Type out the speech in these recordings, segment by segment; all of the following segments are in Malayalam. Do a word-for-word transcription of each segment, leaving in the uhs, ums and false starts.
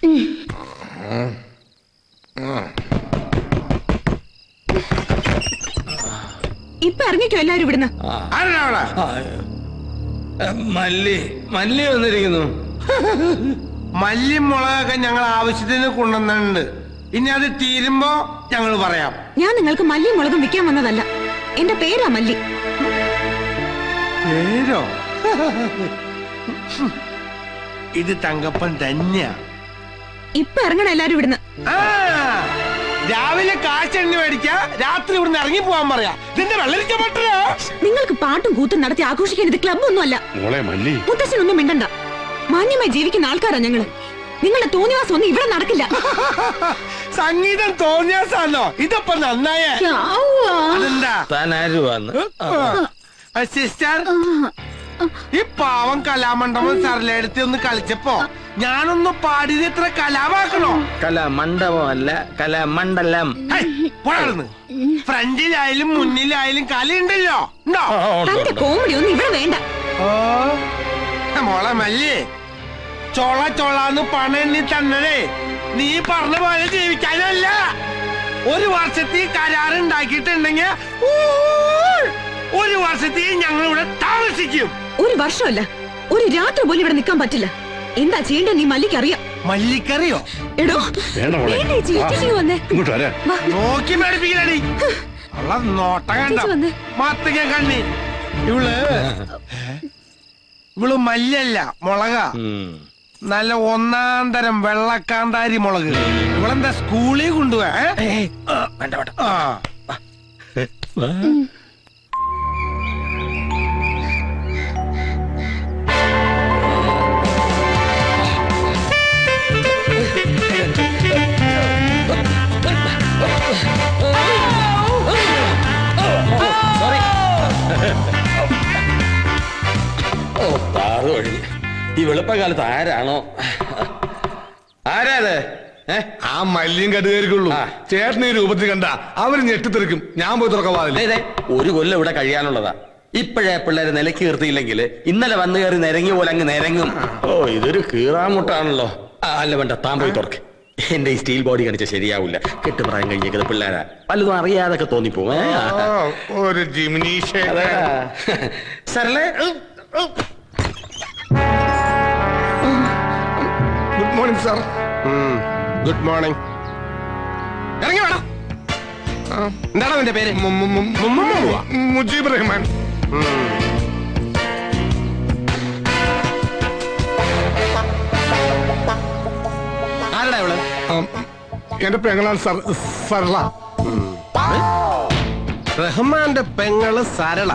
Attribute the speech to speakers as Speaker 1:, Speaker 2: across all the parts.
Speaker 1: ഇപ്പൊ ഇറങ്ങിക്കോ എല്ലാരും ഇവിടുന്ന്.
Speaker 2: മല്ലി മല്ലി വന്നിരിക്കുന്നു.
Speaker 3: മല്ലി മുളകൊക്കെ ഞങ്ങൾ ആവശ്യത്തിന് കൊണ്ടുവന്നിട്ടുണ്ട്. ഇനി അത് തീരുമ്പോ ഞങ്ങൾ പറയാം.
Speaker 1: ഞാൻ നിങ്ങൾക്ക് മല്ലിയും മുളകും വിൽക്കാൻ വന്നതല്ല. എന്റെ പേരാ മല്ലി.
Speaker 3: പേരോ? ഇത് തങ്കപ്പൻ തന്നെയാ.
Speaker 1: ഇപ്പൊ ഇറങ്ങണം എല്ലാരും ഇവിടുന്ന്.
Speaker 3: ആ രാവിലെ കാശെണ്ണി മേടിക്ക, രാത്രി ഇവിടുന്ന് ഇറങ്ങി പോവാൻ പറയാ. ഇതിന്റെ വെള്ളരിക്ക പറ്റില്ല.
Speaker 1: നിങ്ങൾക്ക് പാട്ടും കൂത്തും നടത്തി ആഘോഷിക്കാൻ ഇത് ക്ലബ് ഒന്നും അല്ല. മുത്തശ്ശനൊന്നും മിണ്ടണ്ട. മാന്യമായി ജീവിക്കുന്ന ആൾക്കാരാ ഞങ്ങള്. നിങ്ങളുടെ തോന്നിവാസം ഒന്നും ഇവിടെ നടക്കില്ല.
Speaker 3: സംഗീതം തോന്നിയാസാണോ? ഇതപ്പൊ നന്നായേ. അതെന്താ സിസ്റ്റർ, ഈ പാവം കലാമണ്ഡപം സരളെടുത്ത് ഒന്ന് കളിച്ചപ്പോ ഞാനൊന്ന് പാടിയത് ഇത്ര കലാമാക്കണോ?
Speaker 2: കലാമണ്ഡപം അല്ല, കലാമണ്ഡലം.
Speaker 3: ഫ്രണ്ടിലായാലും മുന്നിലായാലും കലയുണ്ടല്ലോ. ഉണ്ടോ?
Speaker 1: തന്റെ കോമഡി ഒന്നും ഇവിടെ വേണ്ട.
Speaker 3: മോളെ മല്ലി, ചോള ചോളാന്ന് പണെണ്ണി തന്നതേ നീ പറഞ്ഞ പോലെ ജീവിക്കാനല്ല. ഒരു വർഷത്തിൽ കരാറുണ്ടാക്കിയിട്ടുണ്ടെങ്കിൽ ഒരു വർഷത്തിൽ ഞങ്ങൾ ഇവിടെ താമസിക്കും.
Speaker 1: ഒരു വർഷമല്ല, ഒരു രാത്രി പോലും ഇവിടെ നിൽക്കാൻ പറ്റില്ല. എന്താ ചെയ്യേണ്ട നീ മല്ലിക്ക് അറിയാം.
Speaker 3: മല്ലിക്കറിയോ?
Speaker 1: എടോ വന്നേ.
Speaker 3: നോക്കി മേടിപ്പിക്കലടി. നോട്ട കണ്ട മത്തങ്ങ കണ്ണി. ഇവള് ഇവള് മല്ലല്ല, മുളക. നല്ല ഒന്നാം തരം വെള്ളക്കാന്താരി മുളക്. ഇവളെന്താ സ്കൂളിൽ കൊണ്ടുപോവാ?
Speaker 2: ഈ വെളുപ്പകാലത്ത് ആരാണോ? ആരാത്?
Speaker 4: ആ മല്ലിയും കടുകായിരിക്കുള്ളൂ. ചേട്ടന് ഈ രൂപത്തിൽ കണ്ട അവര് ഞെട്ടിത്തെറിക്കും. ഞാൻ പോയി തുറക്കവാതില്ലേ.
Speaker 2: ഒരു കൊല്ലം ഇവിടെ കഴിയാനുള്ളതാ. ഇപ്പോഴേ പിള്ളേരെ നിലക്ക് നിർത്തിയില്ലെങ്കിൽ ഇന്നലെ വന്നു കയറി നിരങ്ങി പോലെ അങ്ങ് നിരങ്ങും. ഓ ഇതൊരു കീറാമുട്ടാണല്ലോ. അല്ല വേണ്ട, താൻ പോയി തുറക്ക്. എന്റെ ഈ സ്റ്റീൽ ബോഡി കാണിച്ച ശരിയാവില്ല. കെട്ടുപ്രായം കഴിഞ്ഞേക്കുന്നത് പിള്ളേരാ. പലതും അറിയാതൊക്കെ തോന്നിപ്പോവും.
Speaker 4: ഒരു ജിമിനീഷ
Speaker 2: സരളേ.
Speaker 4: Good morning sir.
Speaker 3: Good morning. ഇറങ്ങി വേണം. എന്താണ് നിന്റെ പേര്?
Speaker 4: മുജീബ് റഹ്മാൻ.
Speaker 3: ആരടാ ഇവള്?
Speaker 4: എന്റെ പെങ്ങളാണ് സാർ, സരള.
Speaker 3: റഹ്മാന്റെ പെങ്ങള് സരള.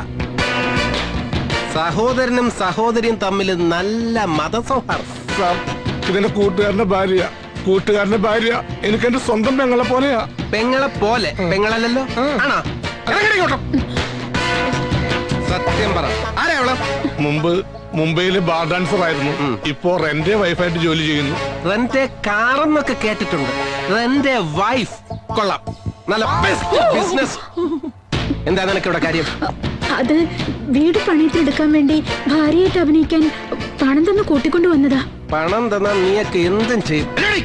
Speaker 3: സഹോദരനും സഹോദരിയും തമ്മിൽ നല്ല മതസൗഹാർദ്ദം.
Speaker 4: സാർ, ഇതെന്റെ കൂട്ടുകാരന്റെ ഭാര്യ. കൂട്ടുകാരന്റെ ഭാര്യ എനിക്ക് എന്റെ സ്വന്തം പെങ്ങളെ പോലെയാ.
Speaker 3: പെങ്ങളെ പോലെ? പെങ്ങളല്ലല്ലോ. ആണോ? സത്യം പറ, ആരാ അവള്?
Speaker 4: മുമ്പ് മുംബൈയില് ബാർ ഡാൻസർ ആയിരുന്നു. ഇപ്പോ റെന്റെ വൈഫായിട്ട് ജോലി ചെയ്യുന്നു.
Speaker 3: റെന്റെ കാറെന്നൊക്കെ കേട്ടിട്ടുണ്ട്. റെന്റെ വൈഫ് കൊള്ളാം. നല്ല ബെസ്റ്റ് ബിസിനസ്. എന്താ നിനക്ക് ഇവിടെ കാര്യം?
Speaker 5: അത് വീട് പണിയത്തിലെടുക്കാൻ വേണ്ടി ഭാര്യയായിട്ട് അഭിനയിക്കാൻ പണം തന്ന് കൂട്ടിക്കൊണ്ടു വന്നതാ.
Speaker 3: പണം തന്നാ നീയൊക്കെ എന്തും ചെയ്യും.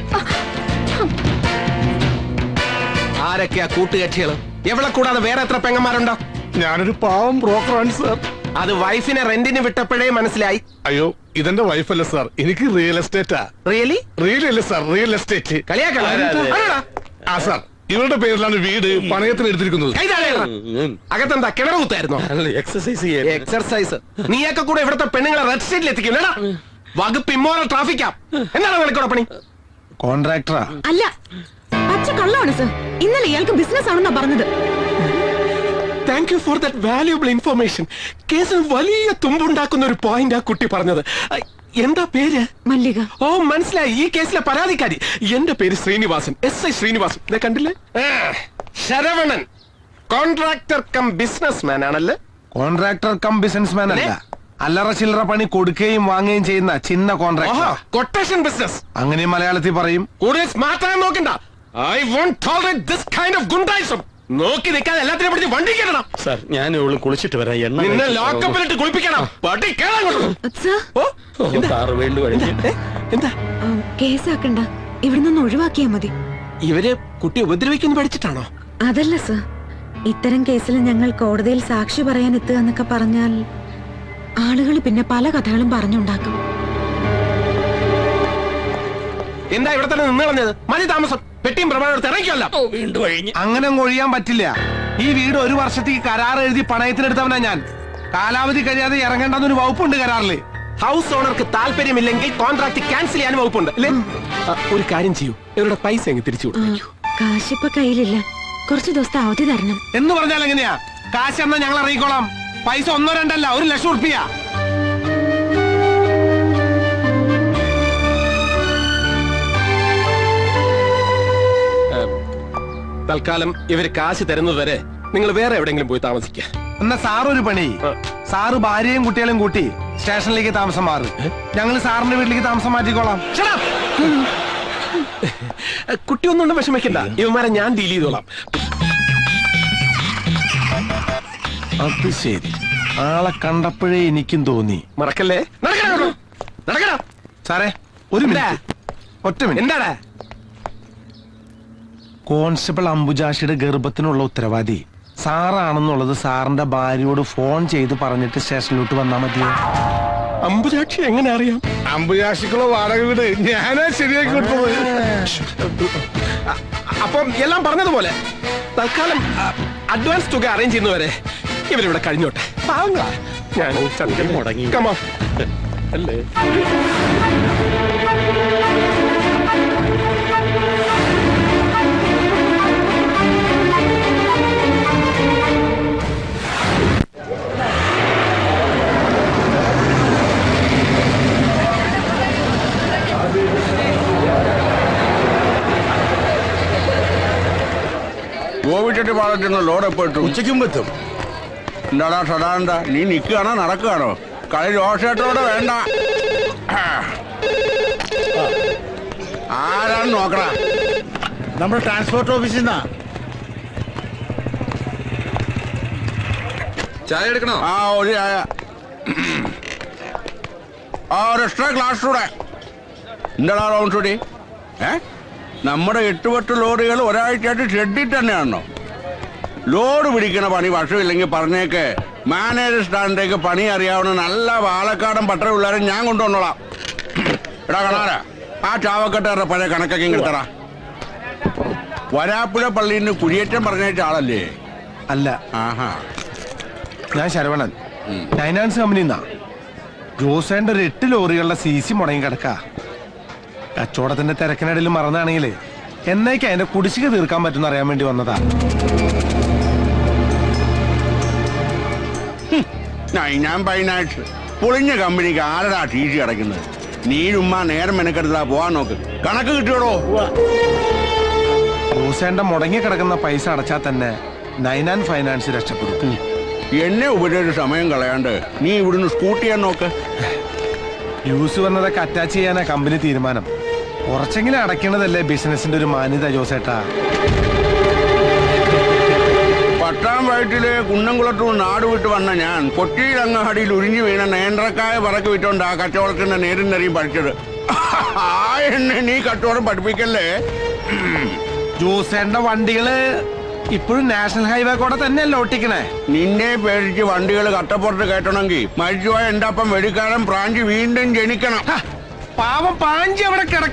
Speaker 3: ആരൊക്കെയാ കൂട്ടുകക്ഷികള്? എവിടെ കൂടാതെ വേറെ എത്ര പെങ്ങന്മാരുണ്ടോ?
Speaker 4: ഞാനൊരു പാവം ബ്രോക്കറാണ് സാർ.
Speaker 3: അത് വൈഫിനെ റെന്റിന് വിട്ടപ്പോഴേ മനസ്സിലായി.
Speaker 4: അയ്യോ, ഇതെന്റെ വൈഫല്ല സാർ. എനിക്ക് റിയൽ എസ്റ്റേറ്റാ.
Speaker 3: റിയലി?
Speaker 4: റിയൽ അല്ലേ സാർ, റിയൽ എസ്റ്റേറ്റ്.
Speaker 3: കളിയാക്കളാ?
Speaker 4: ആ സാർ, ഇവരുടെ പേരിലാണ് വീട് പണയത്തിന് എടുത്തിരിക്കുന്നത്.
Speaker 3: അകത്തെന്താ കിണർ കുത്തായിരുന്നോ?
Speaker 2: Exercise
Speaker 3: exercise. നീയൊക്കെ കൂടെ ഇവിടുത്തെ പെണ്ണുങ്ങളെ റെഡ് സ്റ്റേറ്റിൽ എത്തിക്കില്ലടാ. വകുപ്പ് ഇമ്മോറൽ ട്രാഫിക്കാ. എന്താണ് നിനക്കൂടെ പണി? കോൺട്രാക്ടറാ?
Speaker 1: അല്ല, പച്ച കള്ളമാണ് സർ. ഇന്നലെ ഇയാൾക്ക് ബിസിനസ് ആണെന്നാ പറഞ്ഞത്.
Speaker 3: Thank you for that valuable information. കേസിൽ വലിയ തുമ്പുണ്ടാക്കുന്ന ഒരു പോയിന്റ് ആ കുട്ടി പറഞ്ഞത്. എന്താ പേര്?
Speaker 1: മല്ലിക.
Speaker 3: ഓ മനസ്സിലായി, ഈ കേസിലെ പരാതിക്കാരി. എന്റെ പേര് ശ്രീനിവാസൻ, എസ് ഐ ശ്രീനിവാസൻ. കണ്ടില്ലേ? Saravanan contractor cum businessman ആണല്ലേ?
Speaker 6: കോൺട്രാക്ടർ കം ബിസിനസ് മാൻ അല്ല, അല്ലറ ചില്ലറ പണി കൊടുക്കുകയും വാങ്ങുകയും ചെയ്യുന്ന ചിന്ന കോൺട്രാക്ടർ.
Speaker 3: കൊട്ടേഷൻ ബിസിനസ്
Speaker 6: അങ്ങനെ മലയാളത്തിൽ പറയും.
Speaker 3: കൂടുതൽ സ്മാർട്ടായി നോക്കണ്ട. I won't tolerate this kind of ഗുണ്ടായിസം. നോക്കി നിൽക്കാതെ എല്ലാത്തിനെ പിടിച്ച് വണ്ടി കയറണം.
Speaker 2: സാർ, ഞാൻ ഇവള് കുളിച്ചിട്ട് വരാം. എണ്ണ
Speaker 3: നിന്നെ ലോക്കപ്പിലിട്ട് കുളിപ്പിക്കണം. പട്ടി കേറാൻ.
Speaker 1: കേസാക്കണ്ട. ഇവിടെ നിന്ന് ഒഴിവാക്കിയാ മതി.
Speaker 3: ഇവര് കുട്ടി ഉപദ്രവിക്കുന്നു പഠിച്ചിട്ടാണോ?
Speaker 1: അതല്ല സർ, ഇത്തരം കേസിൽ ഞങ്ങൾ കോടതിയിൽ സാക്ഷി പറയാൻ എത്തുക എന്നൊക്കെ പറഞ്ഞാൽ ആളുകൾ പിന്നെ പല കഥകളും പറഞ്ഞുണ്ടാക്കും.
Speaker 3: എന്താ ഇവിടെ തന്നെ നിന്ന് കളഞ്ഞത്? മതി താമസം. പെട്ടിയും പ്രമാണം ഇറങ്ങിക്കല്ല.
Speaker 2: വീണ്ടും കഴിഞ്ഞ്
Speaker 6: അങ്ങനെ ഒഴിയാൻ പറ്റില്ല. ഈ വീട് ഒരു വർഷത്തേക്ക് കരാർ എഴുതി പണയത്തിനെടുത്തവനാ ഞാൻ. കാലാവധി കഴിയാതെ ഇറങ്ങേണ്ടെന്നൊരു വകുപ്പുണ്ട് കരാറില്.
Speaker 3: ഹൗസ് ഓണർക്ക് താല്പര്യമില്ലെങ്കിൽ കോൺട്രാക്ട് ക്യാൻസൽ ചെയ്യാൻ വകുപ്പുണ്ട് അല്ലേ? ഒരു കാര്യം ചെയ്യൂ, ഇവരുടെ പൈസ എങ്ങ് തിരിച്ചു കൊടുക്കൂ.
Speaker 1: കാശിപ്പ കയ്യിലില്ല, കുറച്ചു ദിവസത്തെ അവധി തരണം.
Speaker 6: എന്ന് പറഞ്ഞാൽ എങ്ങനെയാ? കാശ് എന്നാ ഞങ്ങൾ ഇറങ്ങിക്കോളാം. പൈസ ഒന്നോ രണ്ടല്ല, ഒരു ലക്ഷം ഉറുപ്പിയ.
Speaker 3: തൽക്കാലം ഇവര് കാശ് തരുന്നത് വരെ നിങ്ങൾ വേറെ എവിടെയെങ്കിലും പോയി താമസിക്കുക.
Speaker 6: എന്നാ സാറൊരു പണി, സാറ് ഭാര്യയും കുട്ടികളെയും കൂട്ടി സ്റ്റേഷനിലേക്ക് താമസം മാറി, ഞങ്ങൾ സാറിന്റെ വീട്ടിലേക്ക് താമസം മാറ്റിക്കോളാം.
Speaker 3: കുട്ടി ഒന്നും വിഷമിക്കണ്ട, ഇവന്മാരെ ഞാൻ ഡീൽ ചെയ്തോളാം.
Speaker 6: അത് ശരി, ആളെ കണ്ടപ്പോഴേ എനിക്കും തോന്നി.
Speaker 3: മറക്കല്ലേ? നടക്കണോ നടക്കണോ
Speaker 6: സാറേ ഒരു മിനിറ്റ്, ഒറ്റ മിനിറ്റ്.
Speaker 3: എന്താടാ?
Speaker 6: കോൺസ്റ്റബിൾ അംബുജാഷിയുടെ ഗർഭത്തിനുള്ള ഉത്തരവാദി സാറാണെന്നുള്ളത് സാറിന്റെ ഭാര്യയോട് ഫോൺ ചെയ്ത് പറഞ്ഞിട്ട് സ്റ്റേഷനിലോട്ട് വന്നാ മതിയോ?
Speaker 3: അംബുജാക്ഷി എങ്ങനെ അറിയാം?
Speaker 4: അമ്പുരാശിക്കുള്ള വാടക വീട് ഞാനാ ശരിയാക്കി കൊടുത്തത്.
Speaker 3: അപ്പം എല്ലാം പറഞ്ഞതുപോലെ തൽക്കാലം അഡ്വാൻസ് തുക അറേഞ്ച് ചെയ്യുന്നവരെ ഇവരിവിടെ കഴിഞ്ഞോട്ടെ. പാവങ്ങളാ. ഞാൻ
Speaker 2: മുടങ്ങി.
Speaker 3: Come on. അല്ലേ?
Speaker 7: ഗോപിച്ചട്ടി പാടത്തുനിന്ന് ലോഡ് എപ്പോ ഇട്ടു?
Speaker 2: ഉച്ചയ്ക്കും എത്തും.
Speaker 7: എന്താടാ സദാനന്ദ, നീ നിൽക്കുകയാണോ നടക്കുകയാണോ? കളി രോഷേട്ടോടെ വേണ്ട. ആരാണ് നോക്കടാ?
Speaker 2: നമ്മുടെ ട്രാൻസ്പോർട്ട് ഓഫീസിൽ നിന്നാ.
Speaker 7: ചായ എടുക്കണോ? ആ ഒരു ചായ. ആ ഒരു എക്സ്ട്രാ ഗ്ലാസ് കൂടെ. എന്താടാ റൗണ്ട് ഷൂട്ടി? ഏ നമ്മുടെ എട്ടുപെട്ട് ലോറികൾ ഒരാഴ്ചയായിട്ട് ഷെഡിൽ തന്നെയാണോ? ലോഡ് പിടിക്കണ പണി വർഷമില്ലെങ്കിൽ പറഞ്ഞേക്ക്, മാനേജർ സ്റ്റാൻഡിലേക്ക് പണി അറിയാവുന്ന നല്ല പാലക്കാടൻ പട്ടണ പിള്ളേരെ ഞാൻ കൊണ്ടുവന്നോളാം. എടാ കാണാരാ, ആ ചാവക്കെട്ടാരുടെ പഴയ കണക്കൊക്കെ കിട്ടറ. വരാപ്പുഴ പള്ളിയിൽ നിന്ന് കുടിയേറ്റം പറഞ്ഞേറ്റ ആളല്ലേ?
Speaker 6: അല്ല.
Speaker 7: ആഹാ.
Speaker 6: ഞാൻ ശരവണൻ, ഫൈനാൻസ് കമ്പനിന്നാ. ജോസേന്റെ ഒരു എട്ട് ലോറികളുടെ സി സി മുടങ്ങി കിടക്ക. കച്ചവടത്തിന്റെ തിരക്കിനിടയിൽ മറന്നാണെങ്കിലേ എന്നേക്ക് അതിന്റെ കുടിശ്ശിക തീർക്കാൻ പറ്റുന്ന അറിയാൻ വേണ്ടി വന്നതാ.
Speaker 7: ഞാൻ ഫൈനാൻസ് പൊളിഞ്ഞ കമ്പനിക്ക് ആരടാ ടി സി അടയ്ക്കുന്നത്? നീ ഉമ്മ നേരം മെനക്കെടുത്താ പോവാൻ നോക്ക്. കണക്ക് കിട്ടിയോടോ?
Speaker 6: ജോസേന്റെ മുടങ്ങി കിടക്കുന്ന പൈസ അടച്ചാൽ തന്നെ നൈനാൻ ഫൈനാൻസ് രക്ഷപ്പെടും.
Speaker 7: എന്നെ ഉപദേശിച്ച് സമയം കളയാണ്ട് നീ ഇവിടുന്ന് സ്കൂട്ട് ചെയ്യാൻ നോക്ക്.
Speaker 6: യൂസ് വന്നതൊക്കെ അറ്റാച്ച് ചെയ്യാനാ കമ്പനി തീരുമാനം. കുറച്ചെങ്കിലും അടയ്ക്കണതല്ലേ ബിസിനസിന്റെ ഒരു മാന്യത ജോസേട്ടാ.
Speaker 7: പട്ടാം വയറ്റില് കുന്നംകുളത്തു നാട് വിട്ട് വന്ന ഞാൻ കൊച്ചിയിൽ അങ്ങാടിയിൽ ഉരിഞ്ഞു വീണ നേന്ത്രക്കായ പറക്ക് വിറ്റോണ്ടാ കച്ചവടത്തിന്റെ നേരും നെറിയും പഠിച്ചത്. ആ എന്നെ നീ കച്ചവടം പഠിപ്പിക്കല്ലേ.
Speaker 6: ജോസേന്റെ വണ്ടികള് ഇപ്പോഴും നാഷണൽ ഹൈവേ കൂടെ തന്നെയല്ലേ ഓട്ടിക്കണേ?
Speaker 7: നിന്നെ പേടിച്ച് വണ്ടികൾ കട്ടപ്പുറത്ത് കയറ്റണമെങ്കിൽ മരിച്ചുപോയ എന്റെ അപ്പം വെടിക്കാരൻ പ്രാഞ്ചി വീണ്ടും ജനിക്കണം.
Speaker 6: പാവം പാഞ്ചി അവിടെ കിടക്ക.